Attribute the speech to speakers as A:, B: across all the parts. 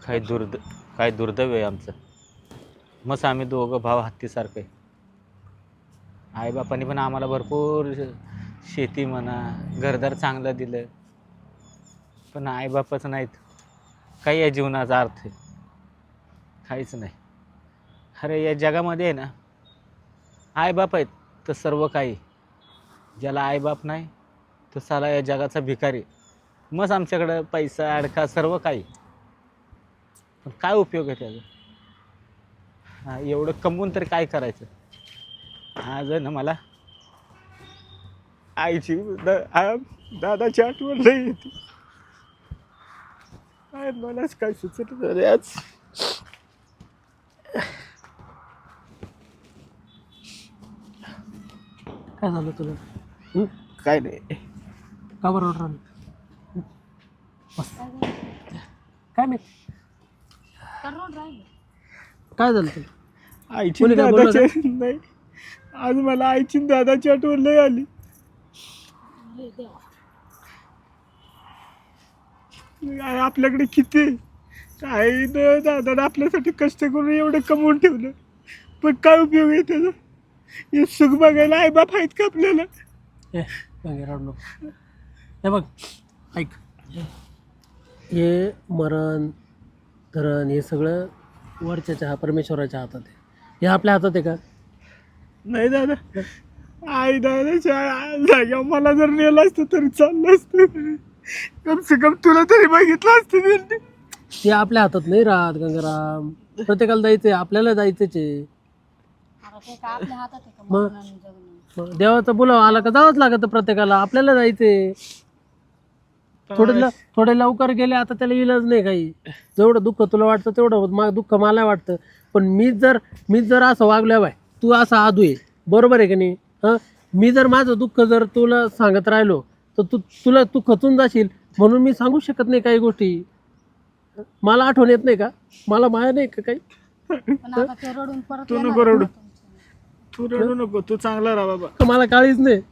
A: काय काय दुर्दैव आहे आमचं. मस्त आम्ही दोघं भाव हत्तीसारखं आहे. आईबापांनी पण आम्हाला भरपूर शेती म्हणा घरदार चांगलं दिलं, पण आईबापच नाहीत. काही या जीवनाचा अर्थ आहे काहीच नाही. अरे या जगामध्ये आहे ना, आईबाप आहेत तर सर्व काही. ज्याला आईबाप नाही तो साला या जगाचा भिकारी. मग आमच्याकडं पैसा अडका सर्व काही, पण काय उपयोग आहे त्याचा. एवढं कमवून तरी काय करायचं. आज आहे ना मला आईची दादाची आठवण नाही येते. मलाच काय सुचत झाले आज.
B: काय झालं तुला?
A: काय नाही.
B: का बरं ऑर्डर आली? काय नाही. काय झालं तुला?
A: आईची
B: कोणी काय बोललं
A: दादाची नाही. आज मला आईची दादाची आठवण नाही आली. आपल्याकडे किती काही न दादाने आपल्यासाठी कष्ट करून एवढं कमवून ठेवलं, पण काय उपयोग आहे त्याचा. हे सुख बघायला आई बाप आहेत का आपल्याला.
B: वगैरे नको. हे बघ ऐक, हे मरण धरण हे सगळं वरच्या हा परमेश्वराच्या हातात आहे. हे आपल्या हातात आहे का?
A: नाही दादा. आई दादाच्या जाग्यावर मला जर नेलं असतं तरी चाललं असतं. कम से कम तुला तरी बघितलं असतं त्यांनी.
B: ते आपल्या हातात नाही राहत गंगाराम. प्रत्येकाला जायचंय, आपल्याला जायचंच आहे. मग देवाचा बोलावा आला का जावंच लागत प्रत्येकाला. आपल्याला जायचंय. थोडे लवकर गेले आता त्याला इलाज नाही काही. जेवढं दुःख तुला वाटतं तेवढं दुःख मला वाटतं. पण मी जर असं वागलोय बाय, तू असा आदू आहे, बरोबर आहे की नाही? हां, मी जर माझं दुःख जर तुला सांगत राहिलो तर तू खचून जाशील. म्हणून मी सांगू शकत नाही काही गोष्टी. मला आठवण येत नाही का? मला माया नाही का काही?
A: तू नको रडू. तू रडू नको. तू चांगला राहा बाबा.
B: मला काळीच नाही.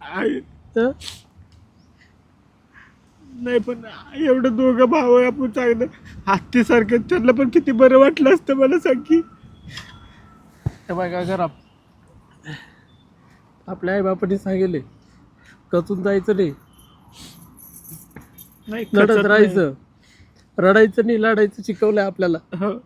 A: नाही पण एवढं दोघं भाऊ आहे आपण चांगलं हत्तीसारखं. त्यांना पण किती बरं वाटलं असतं मला सांग की.
B: काय करा, आपल्या आई बापाने सांगितले कचून जायचं नाही, लढत राहायचं, रडायचं नाही, लढायचं शिकवलंय आपल्याला.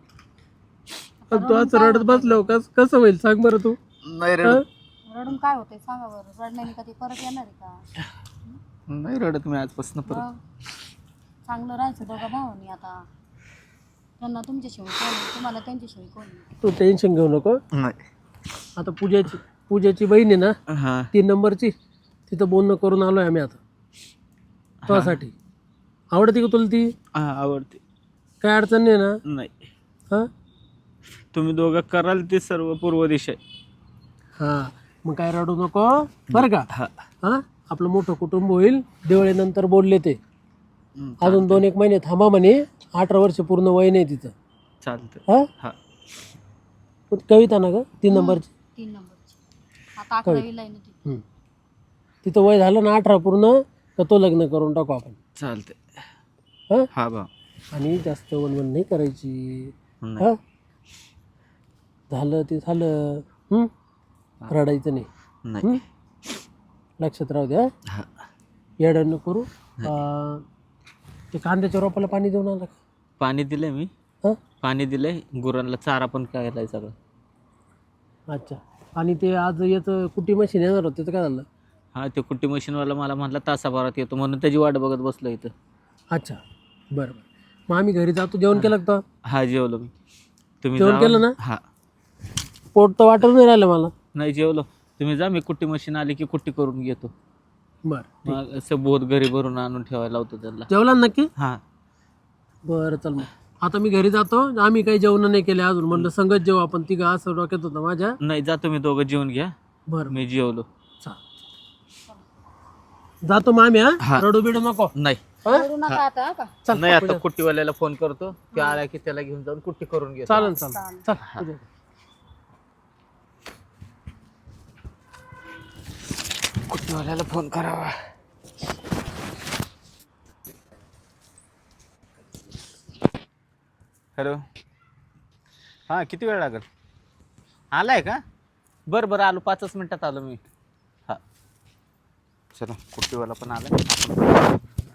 B: तू आज रडत बसलो कसं होईल सांग बरं तू?
A: नाही
C: रडून काय होते सांगा बरं. रडण्याने कधी परत येणार आहे का?
A: नाही रडत मी आजपासून परत.
C: चांगलं राहायचं दोघा भावांनी. आता त्यांना तुमच्याशिवाय कोण आहे, तुम्हाला त्यांच्याशिवाय कोण आहे?
B: तू टेन्शन घेऊ नको.
A: नाही.
B: आता पूजाची बहीण आहे ना,
A: हां
B: 3 नंबरची, तिथं बोलणं करून आलोय आम्ही आता तुझ्यासाठी. आवडते का तुला ती?
A: हां आवडते.
B: काय अडचण नाही ना?
A: नाही.
B: हां
A: तुम्ही दोघं कराल ते सर्व पूर्व दिशा.
B: हां, मग काय रडू नको बरं का?
A: हां
B: हां, आपलं मोठं कुटुंब होईल. दिवाळीनंतर बोलले ते. अजून 2-1 महिने थांबा म्हणे. 18 वर्ष पूर्ण वय नाही तिचं.
A: चालतं.
B: हां,
A: हां
B: कविता ना ग 3 नंबरची?
C: 3 नंबरची. आता 11वीला आहे ना ती.
B: तिथं वय झालं ना 18 पूर्ण तर तो लग्न करून टाकू आपण.
A: चालतंय.
B: हां,
A: हा बा.
B: आणि जास्त वनवन नाही करायची.
A: नाही.
B: हां, झालं ते झालं. रडायचं नाही.
A: नाही.
B: लक्षात राहू द्या.
A: हां
B: येडं नको करू. ते कांद्याच्या रोपाला पाणी देऊन आला का?
A: पाणी दिलंय मी.
B: हां,
A: पाणी दिलंय. गुरांना चारा पण करायला सगळं.
B: अच्छा. आणि ते आज याचं कुट्टी मशीन येणार होतं त्याचं काय झालं?
A: हां ते कुट्टी मशीनवाला मला म्हटलं तासाभरात येतो म्हणून त्याची वाट बघत बसलो इथं.
B: अच्छा, बरं. मग आम्ही घरी जातो. जेवण केलं का?
A: हा जेवलो मी. तुम्ही
B: जेवण
A: जावा.
B: केलं ना?
A: हां
B: पोट तर वाटत नाही राहिलं मला.
A: नाही जेवलो. तुम्ही जा, मी कुट्टी मशीन आली की कुट्टी करून घेतो.
B: बरं,
A: मग असं बोध घरी भरून आणून ठेवायला लावतो त्यांना.
B: जेवला ना नक्की?
A: हां
B: बरं चल मग. आता मी घरी जातो. आम्ही काही जेवण नाही केले अजून. म्हणलं संगत जेवू आपण. तिघं असं डोक्यात होतं माझ्या.
A: नाही जा तुम्ही दोघं जेवून घ्या.
B: बरं
A: मी जेवलो.
B: जातो मग आम्ही.
A: हां.
B: रडू बिडू नको.
A: नाही.
C: रडू नका आता का?
B: चल
A: नाही आता कुट्टीवाल्याला फोन करतो. ते आला की त्याला घेऊन जाऊन कुट्टी करून घे.
B: चालेल चल.
A: कुट्टीवाल्याला फोन करावा. हॅलो. हां किती वेळ लागेल? आलाय का? बरं बरं आलो, 5च मिनटात आलो मी. हां चलो, कुट्टीवाला पण आला.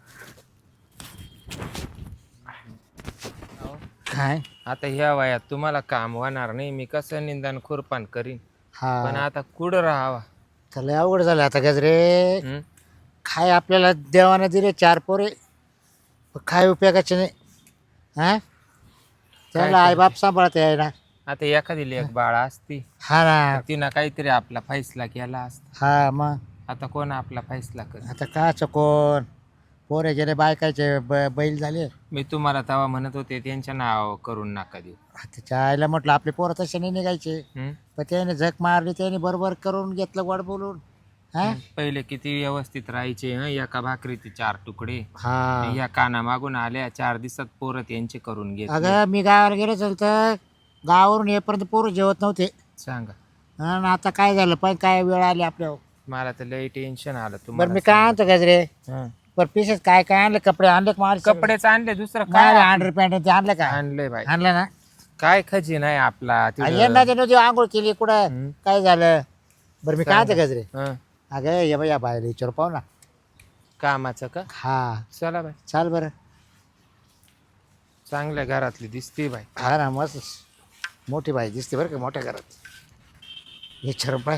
D: काय
E: आता ह्या वयात तुम्हाला काम होणार नाही, मी कसं निंदन खुरपान करीन. पण
D: हा
E: आता कुठं राहावा?
D: त्याला अवघड झालं आता गजरे.
E: हं?
D: काय आपल्याला देवानं दिले 4 पोरे, पण काय उपयोगाचे नाही. हा त्याला
E: काय
D: आईबाप सांभाळते आहे ना.
E: आता एखादी लेक बाळ असती
D: हा ना.
E: तर तिनं काहीतरी आपला फैसला केला असता.
D: हा मग
E: आता कोण आपला फैसला कर?
D: आता काच कोण पोरे गेले बायकाचे बैल झाले.
E: मी तुम्हाला तेव्हा म्हणत होते त्यांच्या नाव करून नका देऊ.
D: त्याच्या आईला म्हटलं आपले पोरं तसे नाही निघायचे,
E: हं?
D: पण त्याने झक मारली, त्याने बरोबर करून घेतलं गोड बोलून. हा
E: पहिले किती व्यवस्थित राहायचे. एका भाकरीचे 4 तुकडे.
D: हा
E: या काना मागून आल्या 4 दिवसात पोरं त्यांचे करून घेतले.
D: अगं मी गावाला गेलो चल तर गावावरून येईपर्यंत पोरं जेवत नव्हते.
E: सांगा.
D: आणि आता काय झालं पण काय वेळ आली आपल्यावर.
E: मला तर लई टेन्शन आलं
D: बरं
E: तुम्हाला.
D: मी काय आणतो गजरे,
E: हं.
D: बरं पिसेस काय काय आणले, कपडे आणले का मार
E: कपडेच आणले, दुसरं
D: काय
E: काय
D: अंडर पॅन्ट ते आणलं का?
E: आणलंय बाई.
D: आणलं ना.
E: काय खजी नाही आपला तिथं.
D: यंदा नव्हती आंघोळ केली कुठं,
E: हं.
D: काय झालं? बरं मी काय आणतो गजरे,
E: हं.
D: अगं ये बाई या बायला विचारू पाहू ना.
E: कामाचं का?
D: हा
E: चला बाई,
D: चाल बरं.
E: चांगल्या घरातली दिसते बाई.
D: हा ना मस्त मोठी बाई दिसते बरं का मोठ्या घरात. विचारू पाय.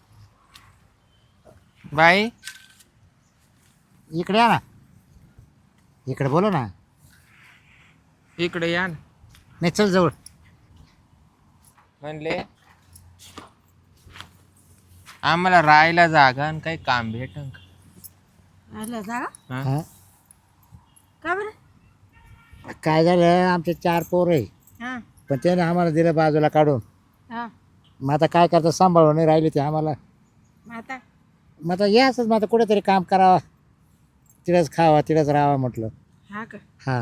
E: बाई
D: इकडे या ना, इकडे बोलो ना.
E: इकडे या ना.
D: नाही चल जवळ.
E: म्हणले आम्हाला राहायला जागा आणि काही काम भेटन का?
C: आलं जागा
E: हं?
D: हा
C: का बरं?
D: काय झालं, आमचे 4 पोर आहे,
C: हां
D: पण त्याने आम्हाला दिलं बाजूला काढून.
C: हां.
D: मग आता काय करता, सांभाळून नाही राहिले ते आम्हाला.
C: मग आता
D: मग आता या असंच, मग आता कुठेतरी काम करावा, तिथंच खावा तिथंच राहावा म्हटलं.
C: हा का?
D: हा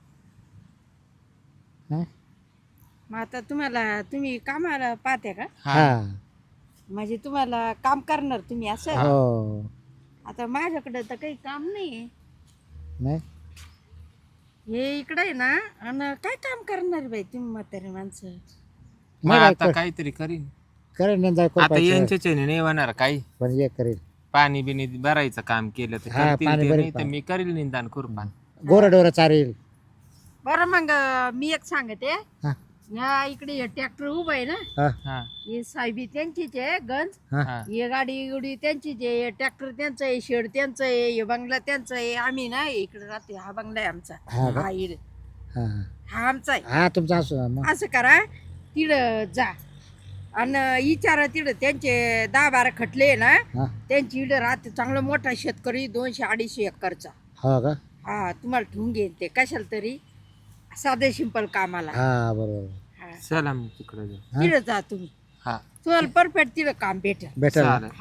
D: हा?
C: मग आता तुम्ही कामाला पाहते का?
D: हा
C: म्हणजे तुम्हाला काम करणार तुम्ही असं?
D: हो.
C: आता माझ्याकडे तर काही काम नाही.
D: नाही
C: हे इकडे आहे ना, आणि काय काम करणार बाई तुम्ही म्हातारी माणसं?
E: मग
D: नाही
E: आता
D: बाई,
E: काहीतरी करीन.
D: करेल नेंदा
E: आता यांच्याचे नाही होणार काही.
D: पण ये करेल.
E: पाणी बिनी भरायचं काम केलं तर
D: हा,
E: करतील
D: पाणी
E: ते,
D: भरेल
E: नाही तर मी करील निंदान खुरपान.
D: गोरडोर चालेल.
C: बरं मग मी एक सांगते.
D: हा
C: ह्या इकडे ट्रॅक्टर उभं आहे ना,
D: हा
E: हा
C: हे साहेबी त्यांचीच आहे गंज.
D: हा
E: हा
C: हे गाडी त्यांचीच आहे, ट्रॅक्टर त्यांचं आहे, शेड त्यांचं आहे, हे बंगला त्यांचं आहे. आम्ही ना इकडे राहते, हा बंगला आहे आमचा.
D: हा का?
C: हा इकडे
D: हा
C: हा आमचा आहे.
D: हा तुमचा असो मग.
C: असं करा, तिकडं जा आणि विचारा तिकडं त्यांचे 10-12 खटले आहे ना,
D: हा
C: त्यांची इकडे राहते. चांगला मोठा शेतकरी 200-250 एकरचा.
D: हो का?
C: हा तुम्हाला ठेवून घेईन ते कशाला तरी, साधे सिंपल कामाला.
D: हा बरोबर.
C: हा
E: चला मग तिकडे जाऊ.
C: तिकडं जा तुम्ही,
E: हा
C: तुम्हाला परफेक्ट तिकडं काम भेटेल.
D: भेटेल ना?
E: चालेल.
C: हा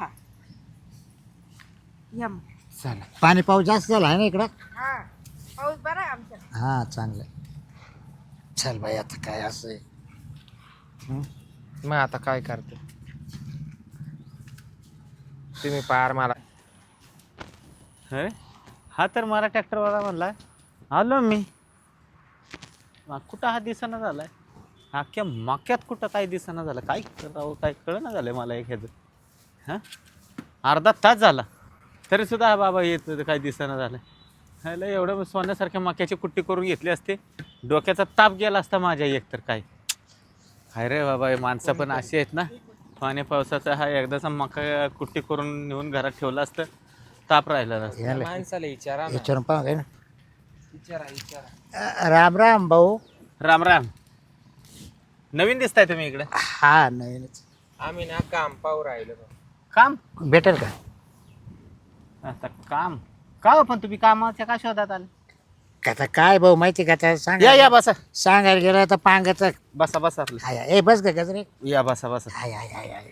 C: या मग.
E: चला.
D: पाणी पाऊस जास्त झाला आहे ना इकडं.
C: हा पाऊस बरा आहे आमच्या.
D: हा चांगलं आहे. चल बाई आता काय असं आहे. हं?
E: मग आता काय करते तुम्ही पार मला.
A: होय? हा तर मला ट्रॅक्टरवाला म्हणला आलो मी. मग कुठं हा दिसाना झालाय, अख्ख्या मक्यात कुठं काय दिसाना झालं, काय करावं काय कळना झालंय मला एखादं. हां अर्धा तास झाला तरीसुद्धा हा बाबा येत काय दिसाना झालं. ह्याला एवढं सोन्यासारख्या मक्याची कुट्टी करून घेतली असते, डोक्याचा ताप गेला असता माझ्या एकतर. काय हाय रे बाबा, हे माणसं पण अशी आहेत ना, पाणी पावसाचा हा एकदाचा मका कुट्टी करून नेऊन घरात ठेवला असतं, ताप राहिला नसता.
D: याला
E: माणसाला विचारा ना.
D: विचारून पाहा काय ना.
E: विचारा.
D: राम राम भाऊ.
A: राम राम. नवीन दिसताय तुम्ही इकडे.
D: हा नवीनच.
E: आम्ही ना काम पाहू राहिलो.
A: काम
D: भेटेल का?
A: आता काम का हो, पण तुम्ही कामाच्या का शोधात आले?
D: आता काय भाऊ माहिती का, आता सांग.
A: या बसा
D: सांगायला गेलं तर पांगच.
A: बसा बसा आपलं.
D: हाय ए बस का गजरे.
A: या बसा बसा.
D: हाय हाय हाय हाय.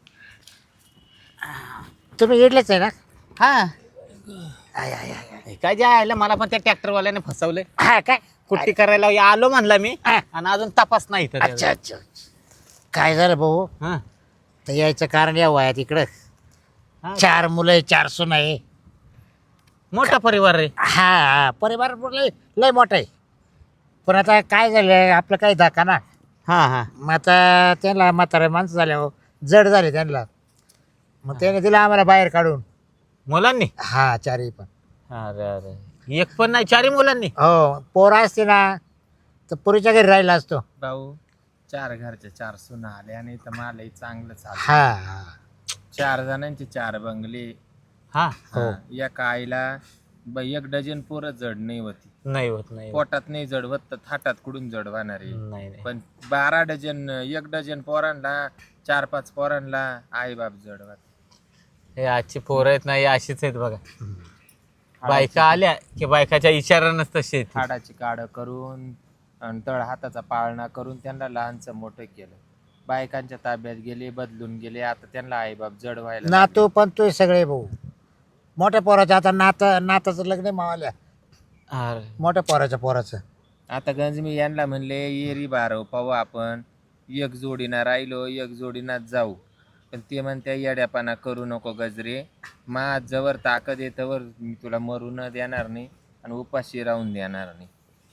D: तुम्ही इडलेच आहे ना?
A: हा
D: हाय हाय हाय.
A: काय जे आहे मला पण त्या ट्रॅक्टरवाल्याने फसवले.
D: हा काय
A: कुट्टी करायला आलो म्हणला मी, आणि अजून तपास नाही इथं त्याचा.
D: अच्छा अच्छा. काय झालं भाऊ,
A: हा
D: तर यायचं कारण या वयात इकडं
A: हा.
D: 4 मुलं आहे, 4 सून आहे.
A: मोठा परिवार रे.
D: हा हा परिवार लय लय मोठा आहे. पण आता काय झालं आपलं काही धक्का ना.
A: हां हां
D: मग आता त्यांना म्हातारे माणसं झाल्या जड झाले त्यांना. मग त्याने दिलं आम्हाला बाहेर काढून.
A: मुलांनी
D: हा चारही पण.
A: अरे अरे एक पण नाही, चारही मुलांनी.
D: हो पोरं असते ना तर पुरीच्या घरी राहिला असतो.
E: भाऊ 4 घरच्या 4 सुना आले आणि तर मलाही चांगलं चाललं.
D: हा हा
E: 4 जणांचे 4 बंगले.
A: हा
D: हो.
E: एका आईला 1 डझन पोरं जड नाही होती.
A: नाही होत, नाही होत.
E: पोटात नाही जडवत तर थाटात कुठून जडवणार आहे.
A: नाही नाही.
E: पण 12 डझन 1 डझन पोरांना 4-5 पोरांना आई बाप जडवत.
A: हे आजची पोरं आहेत ना, हे अशीच आहेत बघा. बायका आल्या की बायकाच्या इशारानंच तशी आहेत.
E: हाडाची काढ करून आणि तळ हाताचा पाळणा करून त्यांना लहानचं मोठं केलं. बायकांच्या ताब्यात गेले, बदलून गेले. आता त्यांना आई बाप जडवायला लागले.
D: नातू पण तू सगळे भाऊ मोठ्या पोराच्या आता नाताचं लग्न आहे मावाल्या.
A: अरे
D: मोठ्या पोराचं.
E: आता गंजमी यांना म्हणले येरी बारव पाहू आपण. एक जोडीना राहिलो, एक जोडीना जाऊ. पण ते म्हणत्या येड्यापणा करू नको गजरे. मा जवळ ताकद येतवर मी तुला मरू न देणार नाही आणि उपाशी राहून देणार नाही.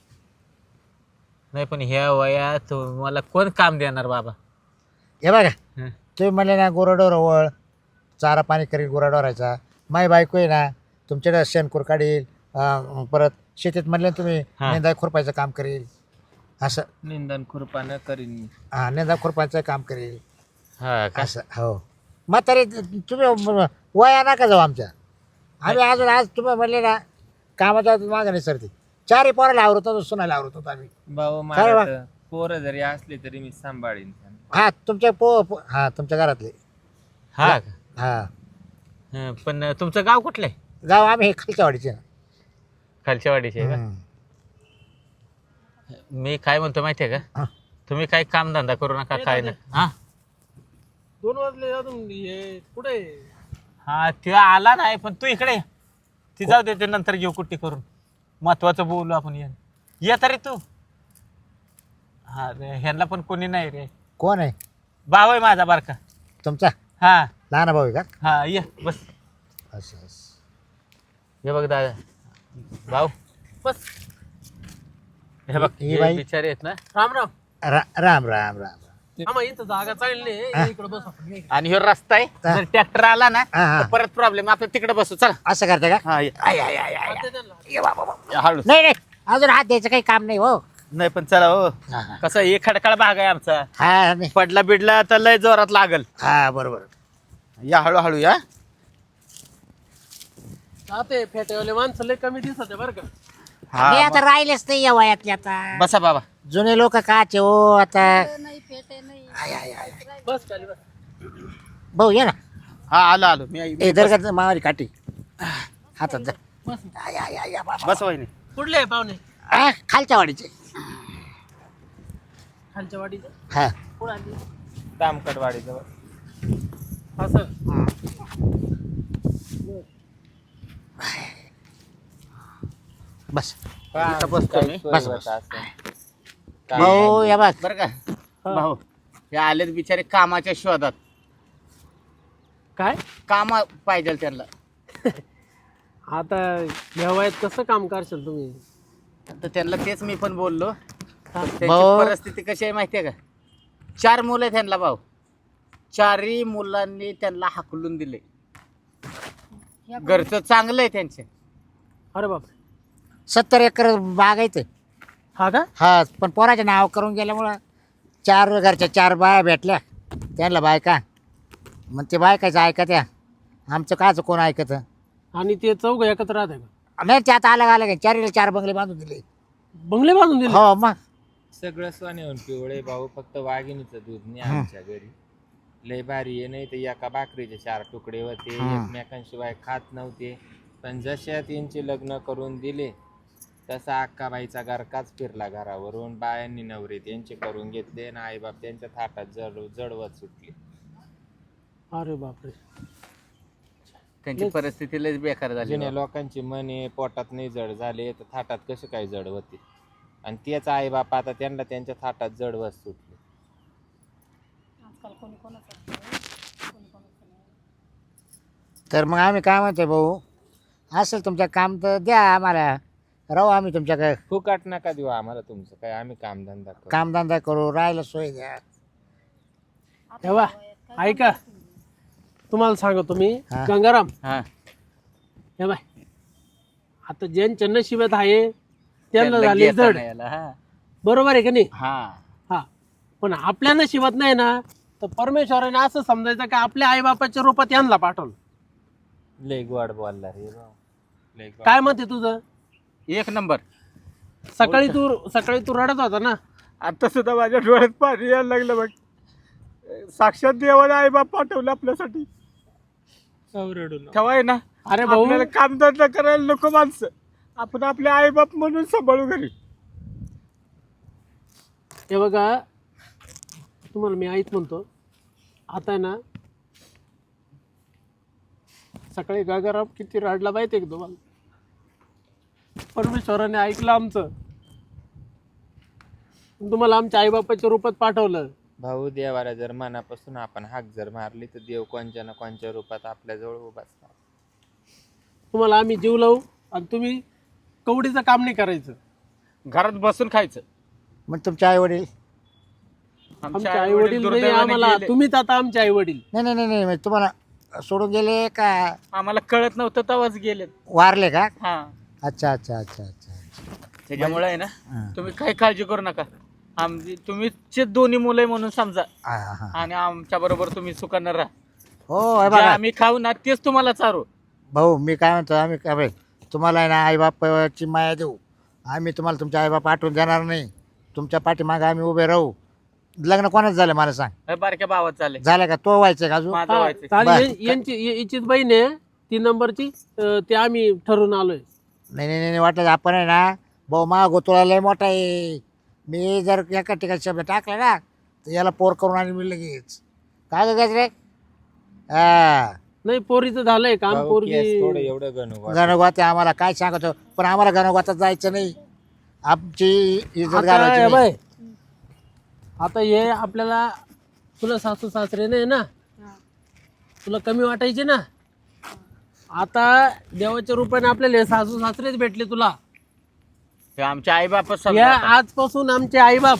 A: नाही पण ह्या वयात मला कोण काम देणार बाबा.
D: हे बघा
A: हं.
D: तुम्ही म्हणले ना गुराढोर वळ चारा पाणी करील गुराढोरायचा. माई बायको आहे ना तुमच्याकडे शेणखूर काढील. परत शेतीत म्हणले ना तुम्ही
A: हा.
D: नेंदा खुरपायचं काम करेल. असं
E: निंदन खुरपानं करीन मी.
D: हा नेंदा खुरपायचं काम करेल
A: हा का.
D: असं. हो मग तरी तुम्ही वया नका जाऊ आमच्या. आम्ही अजून आज तुम्ही म्हणले ना कामाचा मागं नाही सरती. चारही पोराला आवरतो सुनायला आवरतो आम्ही.
E: भाऊ
D: काय वा?
E: मला पोरं जरी असले तरी मी सांभाळीन त्यांना.
D: हा तुमच्या हा तुमच्या घरातले.
A: हा का.
D: हा
A: हं, पण तुमचं गाव कुठलं आहे?
D: गाव आम्ही हे खालच्या वाडीचे.
A: खालच्या वाडीचे आहे का? मी काय म्हणतो माहिती आहे का,
D: हा.
A: तुम्ही काही कामधंदा करू नका, काय नाही. हा
B: 2 वाजले अजून हे कुठे?
A: हा ते आला नाही, पण तू इकडे ये. ती जाऊ दे, ते नंतर घेऊ कुट्टी करून. महत्वाचं बोलू आपण. ये तरी तू. हा रे, ह्यांना पण कोणी नाही रे.
D: कोण आहे
A: भाऊ आहे माझा बारका.
D: तुमचा
A: हा
D: लहान भाऊ आहे का?
A: हा ये बस.
D: असं
A: हे बघ दादा, भाऊ
B: बस.
A: हे बघ,
D: ही
A: हे
D: बाई?
A: बिचारे आहेत ना.
B: राम राम.
D: राम राम राम.
B: आम्हा इथं जागा चालली नाही. इकडे बस आपण. ये.
A: आणि ह्यो रस्ता आहे,
D: हा.
A: जर ट्रॅक्टर आला ना
D: हा, हा.
A: तर परत प्रॉब्लेम. आपण तिकडे बसू, चला.
D: असं करता का?
A: हा ये.
B: आता त्यांना.
A: हळू.
D: नाही नाही अजून हात द्यायचं काही काम नाही हो.
A: नाही पण चला हो.
D: हा, हा.
A: कसं हे खडकाळ भाग आहे आमचा.
D: हा नाही.
A: पडला बिडला तर लय जोरात लागल.
D: हा बरोबर.
A: या हळूहळू या.
B: ते फेटेवाले माणसं लय कमी दिसत आहे बरं का.
D: मी
A: हा
D: आता राहिलेच नाही या वयातले आता.
A: बसा बाबा.
D: जुने लोक काचे हो आता.
C: नाही फेटे नाही.
B: बस खाली बस.
D: भाऊ ये ना.
A: हा आलो मी
D: ए दरगात मावारी काठी हातात जा.
B: बस.
D: या बाबा.
A: बस वहिनी.
B: कुठले आहे पाहुणे?
D: खालच्या वाडीचे.
B: खालच्या वाडीचे.
D: हा
B: कोण आली?
E: तामकडवाडीजवळ.
B: असं.
D: बस.
A: इथं बसतो मी.
D: बस, बस. भाऊ या बघ.
A: बरं का भाऊ, हे आलेत बिचारे कामाच्या शोधात.
B: काय
A: काम पाहिजे त्यांना.
B: आता या वयात कसं काम करशाल तुम्ही?
A: तर त्यांना तेच मी पण बोललो. त्यांची
D: भाऊ.
A: परिस्थिती कशी आहे माहिती आहे का? 4 मुलं आहेत त्यांना भाऊ. 4ही मुलांनी त्यांना हाकलून दिले.
C: या
A: घरचं चांगलं आहे त्यांचे.
B: अरे बाप.
D: 70 एकर बागायचं.
B: हा का?
D: हा पण पोराचे नाव करून गेल्यामुळं 4 घरच्या 4 बाया भेटल्या त्यांना बायका. मग ते बायकाचं ऐकत या. आमचं काचं कोण ऐकत
B: आणि ते चौघ एकत्र राहते का?
D: नाही. ते आता आलं का 4 बंगले बांधून दिले.
B: बंगले बांधून दिले?
D: हो मग.
E: सगळं सोन्याहून पिवळे भाऊ. फक्त वाघिणीचं दूध नाही आमच्या घरी. लय भारी आहे. नाही तर एका भाकरीचे 4 तुकडे होते. एकमेकांशिवाय खात नव्हते. पण जशा त्यांचे लग्न करून दिले तसा अक्काबाईचा गरकाच फिरला घरावरून. बायांनी नवरे त्यांचे करून घेतले आणि आईबाप त्यांच्या थाटात जडवत सुटले.
B: अरे बापरे.
A: त्यांची परिस्थिती लयच बेकार झाली.
E: जुन्या लोकांची मने पोटात नाही जड झाले तर थाटात कसं काय जड होते. आणि तेच आईबाप आता त्यांना त्यांच्या थाटात जडवत सुटले.
C: आजकाल कोणी कोणाचं कोणी कोणाचं नाही.
D: तर मग आम्ही काय म्हणतोय भाऊ, असेल तुमचं काम तर द्या आम्हाला. राहू आम्ही तुमच्याकडे
E: फुकाट नका देऊ आम्हाला तुमचं काय, आम्ही कामधंदा करू.
D: कामधंदा करू, राहायला सोय द्या.
B: तेव्हा ऐका तुम्हाला सांगतो मी
D: हा.
B: गंगाराम
A: हा
B: हे बाय आता ज्यांच्या नशिबात आहे त्यांना
A: त्यांना
B: झाले
A: घेता
B: जड
A: नाही आलं, हा.
B: बरोबर आहे का नाही
A: हा
B: हा पण आपल्या नशिबात नाही ना तर परमेश्वराने असं समजायचं का आपल्या आईबापाच्या रूपात यांना पाठवलं.
E: लय गोड बोलला रे भाऊ, लय गोड.
B: काय मत आहे तुझं?
A: एक नंबर.
B: सकाळी तू रडत होता ना.
A: आता सुद्धा माझ्या डोळ्यात पाणी यायला लागलं बघ. साक्षात देवाने आई बाप पाठवलं आपल्यासाठी. ठेवाय ना
B: अरे भाऊ
A: आपल्याला कामधंदा करायला नको माणसं, आपण आपले आई बाप म्हणून सांभाळू घरी.
B: हे बघा तुम्हाला मी आईच म्हणतो आता आहे ना सकाळी गंगाराम किती रडला माहिती आहे का तुम्हाला? परमेश्वराने ऐकलं आमचं, तुम्हाला आमच्या आईबापाच्या रूपात पाठवलं.
E: भाऊ देवाला जर मनापासून आपण हाक जर मारली तर देव कोणत्या ना कोणत्या रूपात आपल्याजवळ उभा असतात.
B: तुम्हाला आम्ही जीव लावू आणि तुम्ही कवडीचं काम नाही करायचं.
A: घरात बसून खायचं.
D: मग तुमचे आई वडील
B: आमचे आई वडील नाही आम्हाला, तुम्हीच आता आमचे आई वडील.
D: नाही नाही नाही नाही म्हणजे तुम्हाला सोडून गेले का
A: आम्हाला कळत नव्हतं तेव्हाच गेले.
D: वारले का?
A: हा
D: अच्छा अच्छा अच्छा अच्छा.
A: त्याच्यामुळे आहे ना
D: हा.
A: तुम्ही काही काळजी करू नका. तुम्हीचे दोन्ही मुलं आहे म्हणून समजा,
D: हा, हा.
A: आणि आमच्या बरोबर तुम्ही सुखानं राहा.
D: हो हे
A: जे
D: बघा
A: आम्ही खाऊ ना तेच तुम्हाला चारू.
D: भाऊ मी काय म्हणतो आम्ही काय बघ, तुम्हाला आहे ना आईबापाची माया देऊ. आम्ही तुम्हाला तुमच्या आईबाप आठवून देणार नाही. तुमच्या पाठीमागे आम्ही उभे राहू. लग्न कोणाच झालं मला सांग?
A: हे बारक्या भावात चालेल
D: झालं का? तो व्हायचं का अजून?
A: माझं
B: हा,
A: व्हायचं.
B: चालेल. यांची हिचीच बहीण आहे 3 नंबरची, ते आम्ही ठरवून आलोय.
D: नाही नाही नाही वाटलं आपण आहे ना भाऊ मा गोतुळा लय मोठा आहे. मी जर एका ठिकाणी शब्द टाकला ना तर याला पोर करून आणि मी लगेच काय गज रे. हा
B: नाही पोरीचं झालंय काम,
E: भाऊ, केस
B: पोरगी
E: थोडं एवढं गणू
D: गणगोते आम्हाला काय सांगतो, पण आम्हाला गणगोतात जायचं नाही. आमची इज्जत
B: आता
D: घालायची
B: हे
D: नाही.
B: बाय, आता हे आपल्याला तुला सासू सासरे नाही ना,
C: हा.
B: तुला कमी वाटायचे ना. आता देवाच्या रूपाने आपल्याला हे सासू सासरेच भेटले तुला.
A: हे आमचे आई बापच
B: या
A: समजा आता.
B: आजपासून आमचे आई बाप,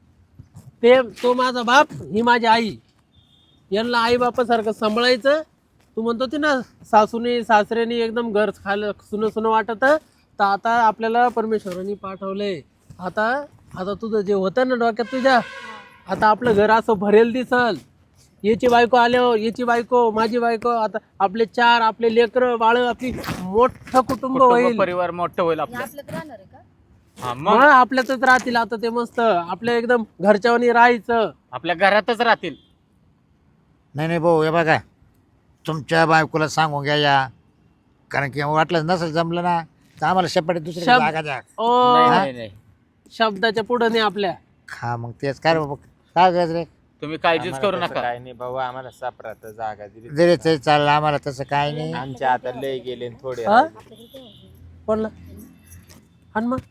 B: तो माझा बाप, ही माझी आई. यांना आई बापासारखं सांभाळायचं. तू म्हणतो ते ना सासूने सासऱ्याने एकदम घर खायला सुनं सुनं वाटत, तर आता आपल्याला परमेश्वराने पाठवलंय. आता तुझं जे होतं ना डोक्यात तुझ्या, आता आपलं घर असं भरेल दिसल. याची बायको आल्यावर याची बायको, माझी बायको, आता आपले 4 आपले लेकरं बाळ, आपली मोठं कुटुंब होईल.
A: कुटुंब परिवार मोठं होईल
C: हे
A: आपलं.
C: आपल्यात राहणार आहे का?
A: हा,
B: मग
A: मग
B: आपल्यातच राहतील. आता ते मस्त आपल्या एकदम घरच्यावानी राहायचं.
A: आपल्या घरातच राहतील.
D: नाही नाही भाऊ हे बघा तुमच्या बायकोला सांगून घ्या या, कारण की वाटलं नसेल जमलं ना तर आम्हाला शपथ दुसरी
B: शब्द-
D: जागा द्या.
B: ओ
A: नाही, नाही, नाही.
B: शब्दाच्या पुढे नाही आपल्या.
D: हा मग तेच काय रे बाबा काय गज रे.
A: तुम्ही काळजीच करू नका.
E: काय नाही भाऊ, आम्हाला सापरात जागा दिली.
D: जरी ते चाललं आम्हाला तसं काय नाही.
E: आमच्या आता लय गेले आणि थोडे
B: हा?
E: राहिले.
B: कोणला आणि मग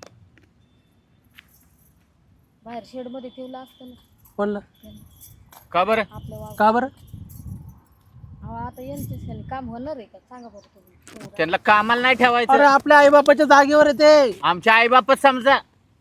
C: बाहेर शेड मध्ये ठेवलं असतं ना
B: कोणला
A: का बरं?
C: आपलं वावर.
B: का बरं?
C: अहो, आता यांच्याच काम होणार आहे का सांगा बरं तुम्ही.
A: त्यांना कामाला नाही
B: अरे
A: ठेवायचं.
B: आपल्या आई बापाच्या जागेवर येते.
A: आमचे आई बापच समजा.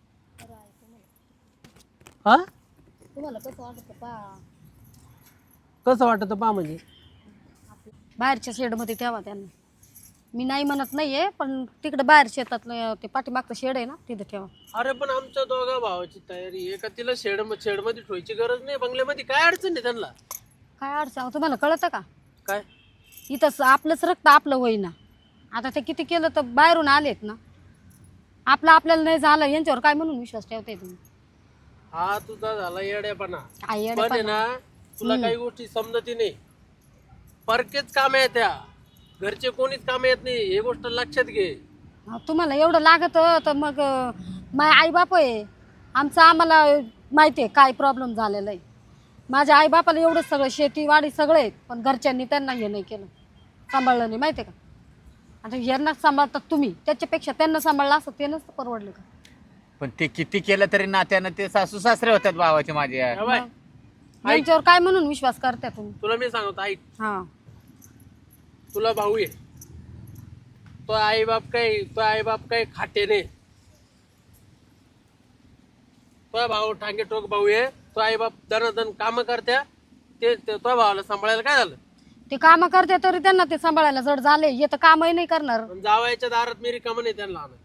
B: हा
C: तुम्हाला कसं वाटतं पहा,
B: कसं वाटत पा म्हणजे
C: बाहेरच्या शेड मध्ये ठेवा त्यांना. मी नाही म्हणत नाहीये, पण तिकडे बाहेर शेतातलं ते पाठीमागचं शेड आहे ना तिथे ठेवा.
B: अरे पण आमच्या दोघा भावाची तयारी आहे का? तिला शेडमध्ये ठेवायची गरज नाही. बंगल्यामध्ये काय अडचण आहे त्यांना?
C: काय अडचण अहो, तुम्हाला कळतं का?
B: काय
C: इथं आपलंच रक्त आपलं होईना. आता ते किती केलं तर बाहेरून आलेत ना. आपल्याला नाही झालं यांच्यावर काय म्हणून विश्वास ठेवताय तुम्ही?
B: हा तुझा झाला येड्यापणा.
C: आई
B: पण आहे
C: येड्यापणा.
B: ना तुला काही गोष्टी समजती नाही. परकेच काम आहे त्या, घरचे कोणीच काम येत नाही. हे गोष्ट लक्षात घे.
C: अहो, तुम्हाला एवढं लागत तर मग माझे आई बाप आहे आमचं, आम्हाला माहिती आहे काय प्रॉब्लेम झालेला आहे. माझ्या आई बापाला एवढं सगळं शेतीवाडी सगळे आहेत, पण घरच्यांनी त्यांना हे नाही केलं, सांभाळलं नाही. माहिती आहे का? आता यांना सांभाळतात तुम्ही, त्याच्यापेक्षा त्यांना सांभाळलं असं ते नसतं परवडलं का?
A: पण ते किती केलं तरी नात्यानं ते सासू सासरे होतात भावाचे माझे.
B: हे बाय,
C: यांच्यावर काय म्हणून विश्वास करता तुम्ही?
B: तुला मी सांगतो ऐक,
C: हा
B: तुला भाऊ आहे. तो आई बाप काही खाटे नाही. तो भाऊ ठांगे टोक भाऊ आहे, तो आई बाप दनादन काम करत्या, ते तो भावाला सांभाळायला काय झालं?
C: ते काम करते तरी त्यांना ते सांभाळायला जड झाले, हे तर कामही नाही करणार.
B: पण जावयाच्या दारात मी रिकामं नाही त्यांना आणत.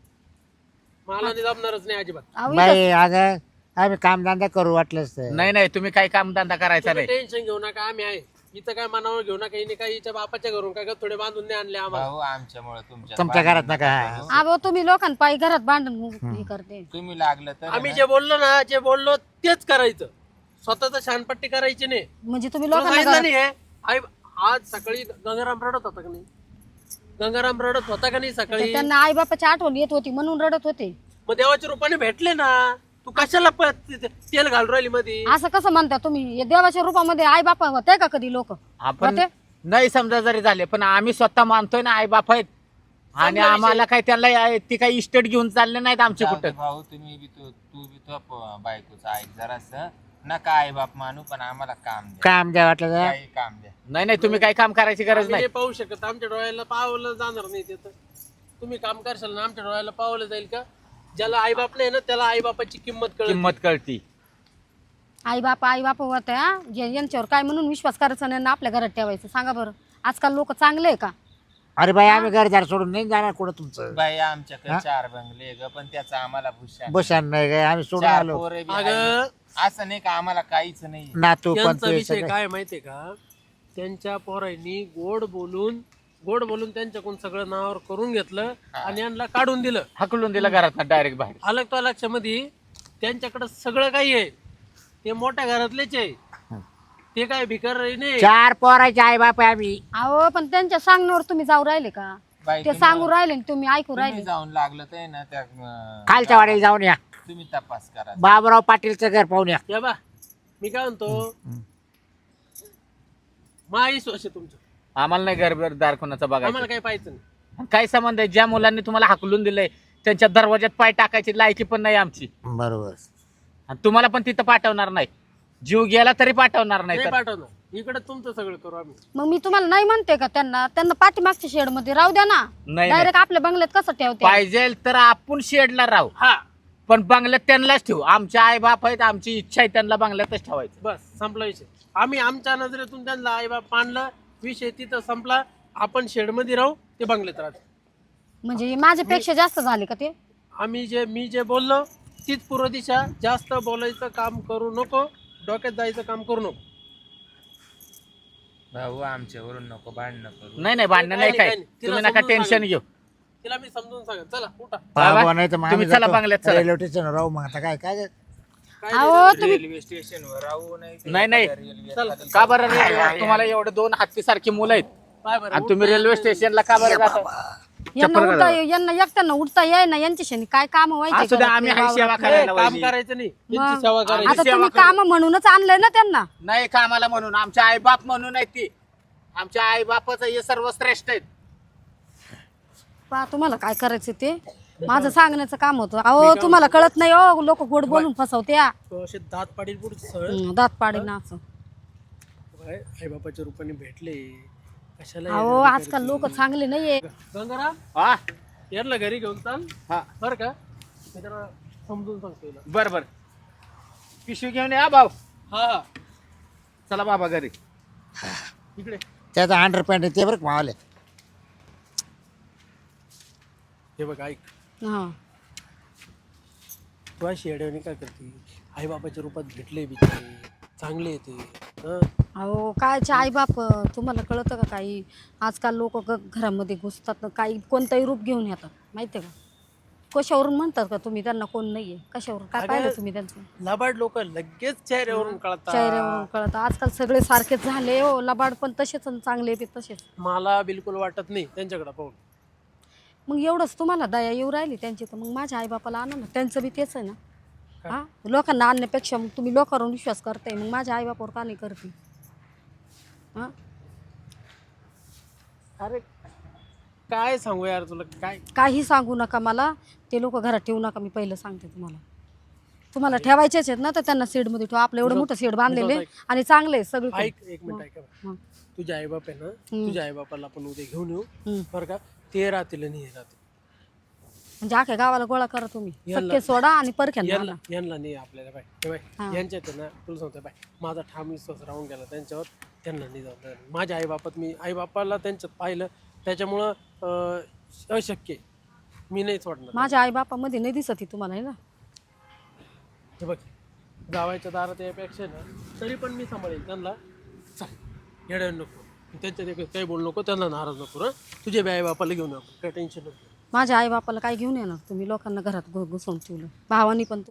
B: मला नाही जमणारच नाही अजिबात.
C: अहो,
D: बाई अगं आम्ही कामधंदा करू वाटलंच तर.
A: नाही नाही तुम्ही काही कामधंदा करायचा नाही.
B: टेन्शन घेऊ नका, आम्ही आहे इथं. काय मनावर घेऊ नका, हिने काय हिच्या बापाच्या घरून काय थोडे बांधून नाही आणले आम्हाला.
E: भाऊ आमच्यामुळे
D: तुमच्या घरात नका.
C: अहो तुम्ही लोकांपायी घरात भांडण हे करते.
E: तुम्ही लागलं तर
B: आम्ही जे बोललो ना, जे बोललो तेच करायचं. स्वतःच शानपट्टी करायची नाही.
C: म्हणजे तुम्ही
B: तुला
C: लोकांना
B: सांगितलं नाही हे? आई आज सकाळी गंगाराम रडत होता का नाही? गंगाराम रडत होता का नाही सकाळी?
C: त्यांना आई बापाची आठवण येत होती म्हणून रडत होते.
B: मग देवाच्या रूपाने भेटले ना. तू कशाला तेल घालून राहिली मध्ये?
C: असं कसं म्हणता तुम्ही? हे देवाच्या रूपामध्ये आई बापा होते का कधी लोक?
A: आपण नाही समजा जरी झाले पण आम्ही स्वतः मानतोय ना आई बाप आहेत आणि आम्हाला काही त्याला ती काही इस्टेट घेऊन चालले नाहीत आमचे कुठं.
E: भाऊ तुम्ही बी तू बी तो बायकोचा ऐक जरास नका आई बाप मानू, पण आम्हाला काम द्या,
D: काम द्या वाटलं तर.
E: काही काम द्या.
A: नाही नाही तुम्ही काही काम करायची गरज
B: आम्ही
A: नाही.
B: नाही पाहू शकत, आमच्या डोळ्याला पावलं जाणार नाही ते. तर तुम्ही काम करशाल ना, आमच्या डोळ्याला पावलं जाईल का? ज्याला आई बाप नाही ना त्याला आई बापाची किंमत कळते.
A: किंमत कळती.
C: आई बाप होत्या यांच्यावर काय म्हणून विश्वास करायचा नाही ना आपल्या घरात ठेवायचं? सांगा बरं, आजकाल लोक चांगले आहे का?
D: अरे बाई आम्ही घरदार सोडून नाही जाणार कुठं तुमचं.
E: बाई आमच्याकडे 4 बंगले ग, पण त्याचा आम्हाला भूषण
D: बशान नाही काय आम्ही सोडून
E: 4
D: आलो.
E: पोरं बी
B: अगं
E: आहे. असं नाही का आम्हाला काहीच नाही.
D: नातू पण
B: त्यांचा
D: ते
B: विषय
D: सगळं.
B: काय माहितीये का? त्यांच्या पोरांनी गोड बोलून त्यांच्याकडून सगळं नावावर करून घेतलं आणि यांना काढून दिलं.
A: हकलून दिला घरात डायरेक्ट बाहेर.
B: आलं तो लक्षामध्ये त्यांच्याकडे सगळं काही आहे. ते मोठ्या घरातलेच आहे, ते काय भिकार नाही.
D: 4 पोराचे आई बाप आहे आम्ही.
C: अहो पण त्यांच्या सांगण्यावर तुम्ही जाऊ राहिले का?
E: बाई
C: ते सांगू राहिले आणि तुम्ही ऐकू
E: तुम्ही
C: राहिले.
E: जाऊन लागलं तर ना त्या
D: खालच्या वाडीला जाऊन या.
E: तुम्ही तपास करा.
D: बाबूराव पाटीलचं घर पाहून या.
B: या बा, मी काय म्हणतो, माईस वर्ष तुमचं,
A: आम्हाला नाही घरदार कोणाचं
B: आम्हाला
A: बघायचं.
B: काही पाहायचं नाही.
A: काय संबंध आहे? ज्या मुलांनी तुम्हाला हाकलून दिलंय त्यांच्या दरवाज्यात पाय टाकायची लायकी पण नाही आमची.
D: बरोबर.
A: आणि तुम्हाला पण तिथं पाठवणार नाही. जीव गेला तरी पाठवणार नाही.
B: नाही
A: तर
B: पाठवणार, इकडे तुमचं सगळं करू आम्ही.
C: मग मी तुम्हाला नाही म्हणते का? त्यांना पाठीमागच्या शेड मध्ये राहू द्या ना.
A: नाही
C: डायरेक्ट आपल्या बंगल्यात कसं ठेवते?
A: पाहिजे तर आपण शेडला राहू,
B: हा
A: पण बंगल्यात त्यांनाच ठेवू. आमचे आई बाप आहेत, आमची इच्छा आहे त्यांना बंगल्यातच ठेवायचं.
B: बस संपला विषय. आम्ही आमच्या नजरेतून त्यांना आई बाप मानलं, विषय तिथं संपला. आपण शेड मध्ये राहू, ते बंगल्यात राहते.
C: म्हणजे माझ्यापेक्षा जास्त झाले का ते?
B: मी जे बोललो तीच पूर्व दिशा. जास्त बोलायचं काम करू नको, डोक्यात जायचं काम करू नको.
E: भाऊ आमच्यावरून नको भांडणं करू.
A: नाही नाही भांडणं नाही काय.
B: काही नाही. तिला
A: तुम्ही नका
B: समजून
A: टेन्शन
B: सांगा.
A: घेऊ.
B: तिला मी समजून सांगेन. चला उठा.
D: बाबा नाही तर मग
A: तुम्ही
D: आम्ही
A: चला बंगल्यात चला.
D: रेल्वे स्टेशन राहू. मग आता काय काय
C: अहो तुम्ही
E: रेल्वे स्टेशनवर राहू
A: नाही नाही
B: चला
A: का बरं रे? तुम्हाला एवढे 2 हत्तीसारखी मुलं आहेत
B: बाय बरं.
A: आणि तुम्ही रेल्वे स्टेशनला का बरं जाता?
C: यांना एकट्यानं उठता येई ना, यांच्याशी काय काम व्हायचे
A: असू द्या, आम्ही हाय सेवा
B: ए,
A: करायला
B: काम
A: पाहिजे.
B: करायचं नाही,
C: मग.
B: त्यांची सेवा करायची.
C: आता
A: सेवा
C: तुम्ही
A: करू.
C: काम म्हणूनच आणलंय ना त्यांना.
A: नाही कामाला म्हणून, आमचे आई बाप म्हणून आहेत ती. आमच्या आई बापाचं हे सर्व श्रेष्ठ आहेत.
C: पहा तुम्हाला काय करायचं ते माझं सांगण्याचं काम होतं. अहो तुम्हाला कळत नाही हो, लोक गोड बोलून फसवत्या.
B: तो असे दात पाडील पुढे सळ.
C: दात पाडी ना असं.
B: आई बापाच्या रूपाने भेटले, कशाला
C: अहो
B: येणार
C: आजकाल लोक चांगले नाहीये.
B: गंगाराम
A: हा
B: यारला घरी घेऊन चाल
A: हा
B: बर का? मी त्याला समजून सांगतो हिला.
A: बर बर पिशवी घेऊन या भाऊ.
B: हा हा
A: चला बाबा घरी.
B: इकडे
D: त्याचा अंडरपॅन्ट ते बरं मावले.
B: हे बघ ऐक,
C: हा
B: तू अशी येड्यावानी काय करते? आई बापाच्या रूपात भेटले बिचारे, चांगले येते.
C: अहो कायचे आई बाप, तुम्हाला कळतं का काही? आजकाल लोक घरामध्ये घुसतात ना, काही कोणतंही रूप घेऊन येतात माहितीये का? कशावरून म्हणतात का तुम्ही त्यांना कोण नाहीये? कशावरून काय
B: अगं,
C: पाहिलं तुम्ही त्यांचं?
B: लबाड लोक लगेच चेहऱ्यावरून कळतात.
C: चेहऱ्यावरून कळतं. आजकाल सगळे सारखेच झाले हो. लबाड पण तसेच आणि चांगले बी तसेच.
B: मला बिलकुल वाटत नाही त्यांच्याकडे पाहून.
C: मग एवढंच तुम्हाला दया येऊ राहिली त्यांची, तर मग माझ्या आईबापाला आणा ना. त्यांचं बी तेच आहे ना. हा लोकांना आणण्यापेक्षा मग तुम्ही लोकांवर विश्वास करताय, मग माझ्या आईबापावर का नाही करते? हा
B: अरे काय सांगू यार तुला, काय
C: काही सांगू नका मला. ते लोक घरात ठेवू नका, मी पहिलं सांगते तुम्हाला. तुम्हाला ठेवायचेच आहेत ना, तर त्यांना शेडमध्ये ठेवा. आपलं एवढं मोठं शेड बांधलेले आणि चांगले सगळे.
B: ऐक, एक मिनिट ऐका बरं. तुझ्या आई बाप आहे ना, तुझ्या आई बापाला आपण उद्या घेऊन येऊ
C: हम्म.
B: बरं का? ते राहतील आणि हे राहतील.
C: म्हणजे अख्या गावाला गोळा करा तुम्ही,
B: यांना-
C: सख्खे सोडा आणि परख्यांना
B: यांना
C: आणा.
B: यांना नाही आपल्याला बाय हे बाय
C: हा.
B: यांच्यात आहे ना तुला सांगतो बाय माझा ठाम विश्वास राहून गेला त्यांच्यावर, त्यांना नाही जाऊन देणार. माझ्या आईबापात मी आईबापाला त्यांच्यात पाहिलं त्याच्यामुळं अशक्य आहे. मी नाही सोडणार.
C: माझ्या आई बापामध्ये नाही दिसत ही तुम्हाला, आहे ना?
B: हे बघ जावायच्या दारात यापेक्षा ना तरी पण मी सांभाळेल त्यांना. चल येड्या नको त्यांच्या ते काही बोलू नको, त्यांना नाराज नको. हं तुझ्या बी आई बापाला घेऊन आपण काही टेन्शन नको.
C: माझ्या आई बापाला काय घेऊन येणार तुम्ही? लोकांना घरात घुसवून ठेवलं, भावानी पण